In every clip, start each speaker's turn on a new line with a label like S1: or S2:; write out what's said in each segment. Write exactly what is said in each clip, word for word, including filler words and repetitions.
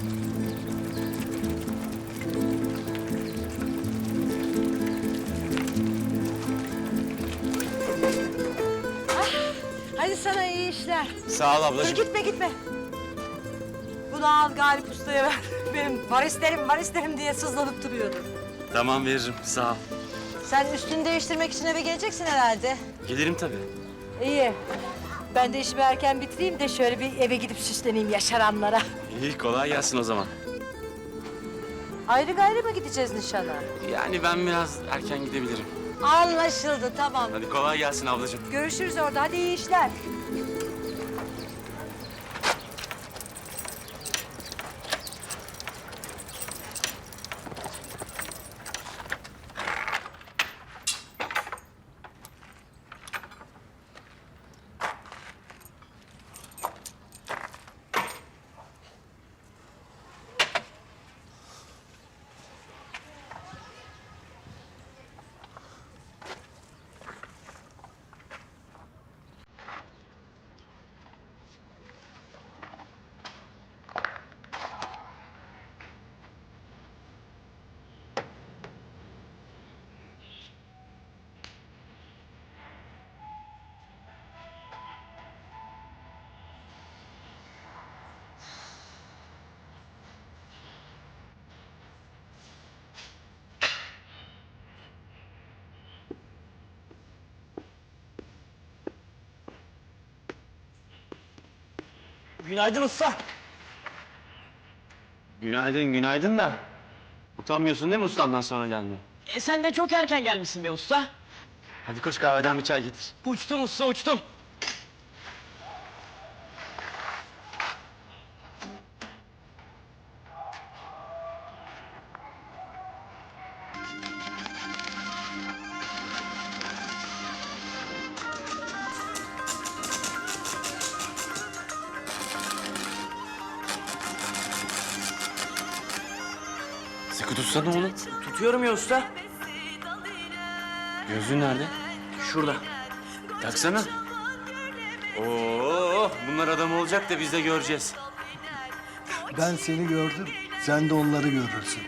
S1: Hadi sana iyi işler.
S2: Sağ ol
S1: Dur
S2: ablacığım.
S1: gitme gitme. Bunu al Galip Usta'ya ver. Benim var isterim var isterim diye sızlanıp duruyordu.
S2: Tamam veririm, sağ ol.
S1: Sen üstünü değiştirmek için eve geleceksin herhalde.
S2: Gelirim tabii.
S1: İyi. Ben de işimi erken bitireyim de şöyle bir eve gidip süsleneyim yaşaranlara.
S2: İyi, kolay gelsin o zaman.
S1: Ayrı gayrı mı gideceğiz nişana?
S2: Yani ben biraz erken gidebilirim.
S1: Anlaşıldı tamam.
S2: Hadi kolay gelsin ablacığım.
S1: Görüşürüz orada hadi iyi işler.
S3: Günaydın usta.
S2: Günaydın, günaydın da. Utanmıyorsun değil mi ustamdan sonra gelmeye?
S3: E sen de çok erken gelmişsin be usta.
S2: Hadi koş kahveden bir çay getir.
S3: Uçtum usta uçtum.
S2: Sıkı tutsana oğlum.
S3: Tutuyorum ya usta.
S2: Gözlüğün nerede?
S3: Şurada.
S2: Taksana. Oo, bunlar adam olacak da biz de göreceğiz.
S4: Ben seni gördüm, sen de onları görürsün.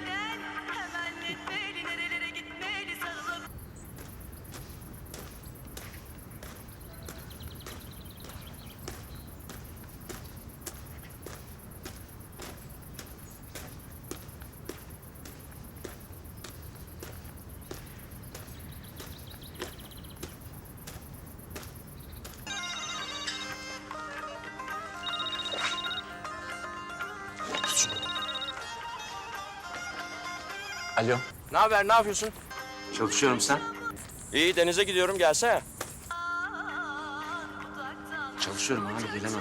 S2: Alo.
S5: Ne haber, ne yapıyorsun?
S2: Çalışıyorum sen.
S5: İyi, denize gidiyorum, gelsene.
S2: Çalışıyorum abi, gelemem.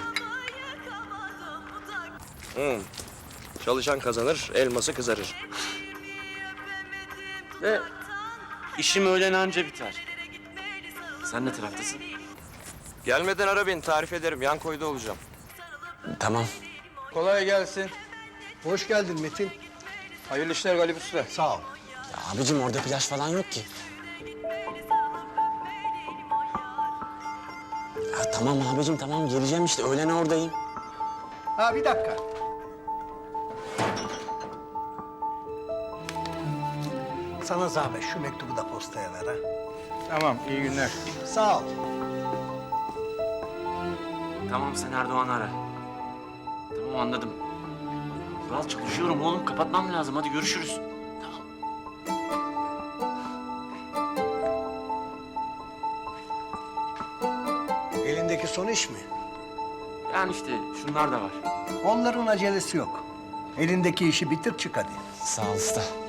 S5: Hı. Çalışan kazanır, elması kızarır.
S2: Ve işim öğlen anca biter. Sen ne taraftasın?
S5: Gelmeden ara beni, tarif ederim. Yan koyda olacağım.
S2: Tamam.
S6: Kolay gelsin.
S4: Hoş geldin Metin.
S6: Hayırlı işler Galip Usta.
S4: Sağ ol.
S3: Ya abicim orada plaj falan yok ki. Ya tamam abicim tamam geleceğim işte öğlen oradayım.
S4: Ha bir dakika. Sana zahmet şu mektubu da postaya ver ha.
S6: Tamam, iyi günler.
S4: Sağ ol.
S2: Tamam, sen Erdoğan'ı ara. Tamam, anladım. Kural, çalışıyorum oğlum, kapatmam lazım. Hadi görüşürüz.
S4: Elindeki son iş mi?
S2: Yani işte şunlar da var.
S4: Onların acelesi yok. Elindeki işi bitir çık hadi.
S3: Sağ ol usta.